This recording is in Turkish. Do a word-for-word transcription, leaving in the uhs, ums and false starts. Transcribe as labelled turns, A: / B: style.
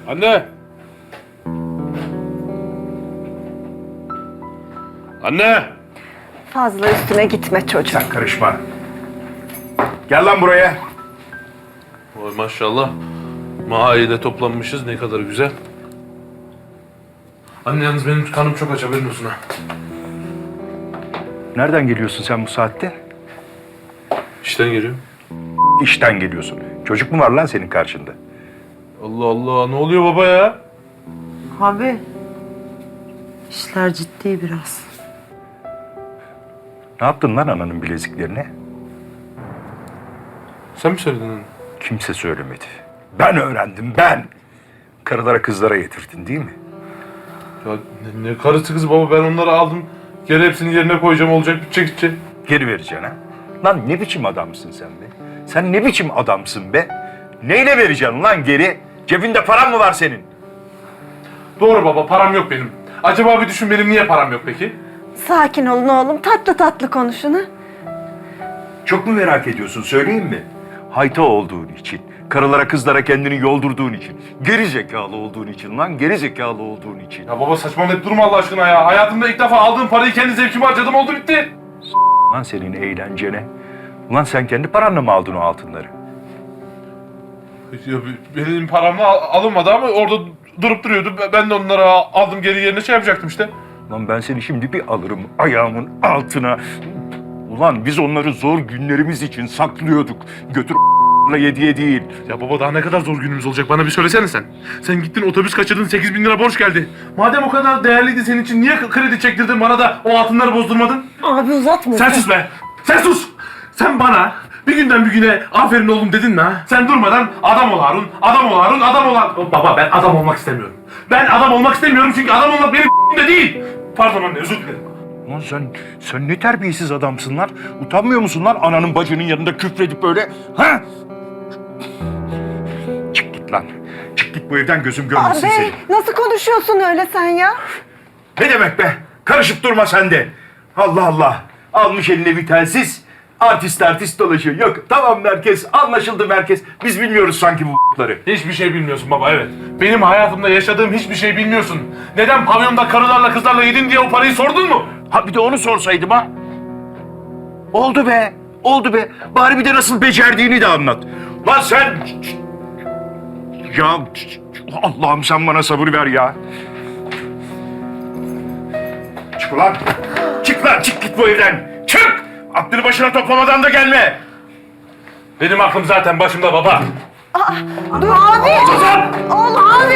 A: Anne! Anne!
B: Fazla üstüne gitme çocuğum.
C: Sen karışma. Gel lan buraya.
A: Oy maşallah. Mahallede toplanmışız, ne kadar güzel. Anne yalnız benim kanım çok aç, haberin olsun ha.
C: Nereden geliyorsun sen bu saatte?
A: İşten geliyor.
C: İşten geliyorsun. Çocuk mu var lan senin karşında?
A: Allah Allah, ne oluyor baba ya?
D: Abi, işler ciddi biraz.
C: Ne yaptın lan ananın bileziklerine?
A: Sen mi söyledin anne?
C: Kimse söylemedi. Ben öğrendim, ben. Karılara kızlara yetirdin değil mi?
A: Ya ne, ne karısı kız baba, ben onları aldım. Geri hepsini yerine koyacağım, olacak bitecek gidecek.
C: Geri vereceksin ha? Lan ne biçim adamsın sen be? Sen ne biçim adamsın be? Neyle vereceksin lan geri? Cebinde paran mı var senin?
A: Doğru baba, param yok benim. Acaba bir düşün, benim niye param yok peki?
B: Sakin olun oğlum. Tatlı tatlı konuşun ha.
C: Çok mu merak ediyorsun, söyleyeyim mi? Hayta olduğun için, karılara kızlara kendini yoldurduğun için, geri zekalı olduğun için lan, geri zekalı olduğun için.
A: Ya baba saçmalayıp durma Allah aşkına ya. Hayatımda ilk defa aldığım parayı kendi zevkime harcadım, oldu bitti.
C: Lan senin eğlencene. Ulan sen kendi paranla mı aldın o altınları?
A: Ya benim paramla al- alınmadı ama orada durup duruyordu. Ben de onları aldım, geri yerine şey yapacaktım işte.
C: Lan ben seni şimdi bir alırım ayağımın altına. Ulan biz onları zor günlerimiz için saklıyorduk. Götür yediye değil.
A: Ya baba daha ne kadar zor günümüz olacak, bana bir söylesene sen. Sen gittin otobüs kaçırdın, sekiz bin lira borç geldi. Madem o kadar değerliydi senin için, niye kredi çektirdin bana da o altınları bozdurmadın?
B: Abi uzatma.
A: Sen sus be! Sen sus! Sen bana bir günden bir güne aferin oğlum dedin mi ha? Sen durmadan adam ol Harun, adam ol Harun, adam ol Harun. Baba ben adam olmak istemiyorum. Ben adam olmak istemiyorum çünkü adam olmak benim de değil. Pardon anne, özür dilerim.
C: Lan sen, sen ne terbiyesiz adamsın lan. Utanmıyor musun lan ananın bacının yanında küfredip böyle? Ha? Çık git lan. Çık git bu evden, gözüm görmesin
B: Abi
C: seni.
B: nasıl konuşuyorsun öyle sen ya?
C: Ne demek be? Karışıp durma sen de. Allah Allah. Almış eline bir telsiz. Artist artist dolaşıyor. Yok tamam merkez, anlaşıldı merkez. Biz bilmiyoruz sanki bu b***ları.
A: Hiçbir şey bilmiyorsun baba, evet. Benim hayatımda yaşadığım hiçbir şey bilmiyorsun. Neden pavyonda karılarla kızlarla yedin diye o parayı sordun mu?
C: Ha bir de onu sorsaydım ha. Oldu be. Oldu be. Bari bir de nasıl becerdiğini de anlat. Lan sen... Ya Allah'ım sen bana sabır ver ya. Çık ulan. Çık lan, çık git bu evden. Çık! Aklını başına toplamadan da gelme.
A: Benim aklım zaten başımda baba.
B: Dur abi. Oğlum.